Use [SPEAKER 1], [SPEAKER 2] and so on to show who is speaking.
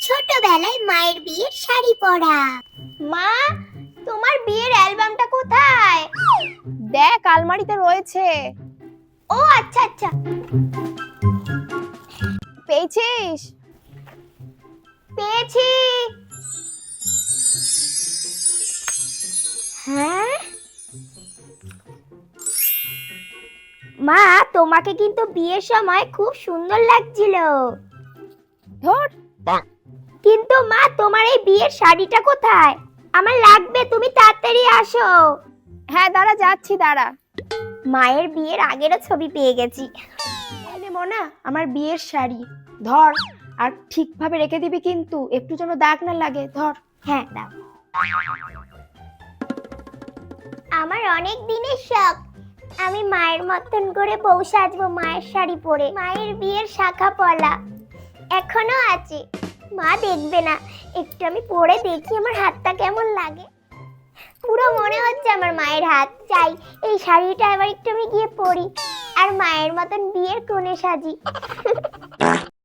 [SPEAKER 1] ছোটবেলায় মায়ের বিয়ের শাড়ি পরা।
[SPEAKER 2] মা, তোমার বিয়ের অ্যালবামটা কোথায়? দেখ, আলমারিতে রয়েছে। ও আচ্ছা আচ্ছা, পেয়েছিস? পেয়েছি।
[SPEAKER 1] হ্যাঁ মা, তোমাকে কিন্তু বিয়ের সময় খুব সুন্দর লাগছিল।
[SPEAKER 2] ধর,
[SPEAKER 1] কিন্তু মা, তোমার এই বিয়ের শাড়িটা কোথায়? আমার লাগবে, তুমি তাড়াতাড়ি আসো।
[SPEAKER 2] হ্যাঁ দাঁড়া, যাচ্ছি দাঁড়া।
[SPEAKER 1] মায়ের বিয়ের আগেরও ছবি পেয়ে গেছি।
[SPEAKER 2] এই নে মোনা, আমার বিয়ের শাড়ি। ধর, আর ঠিকভাবে রেখে দিবি কিন্তু, একটু যেন দাগ না লাগে। ধর।
[SPEAKER 1] হ্যাঁ দাও। আমার অনেক দিনের শখ, আমি মায়ের মতন করে বউ সাজবো, মায়ের শাড়ি পরে, মায়ের বিয়ের শাখা পলা এখনো আছে। মা দেখবে না, একটু আমি পরে দেখি আমার হাতটা কেমন লাগে। পুরো মনে হচ্ছে আমার মায়ের হাত। চাই এই শাড়িটা এবার একটু আমি গিয়ে পরি আর মায়ের মতন বিয়ের কোণে সাজি।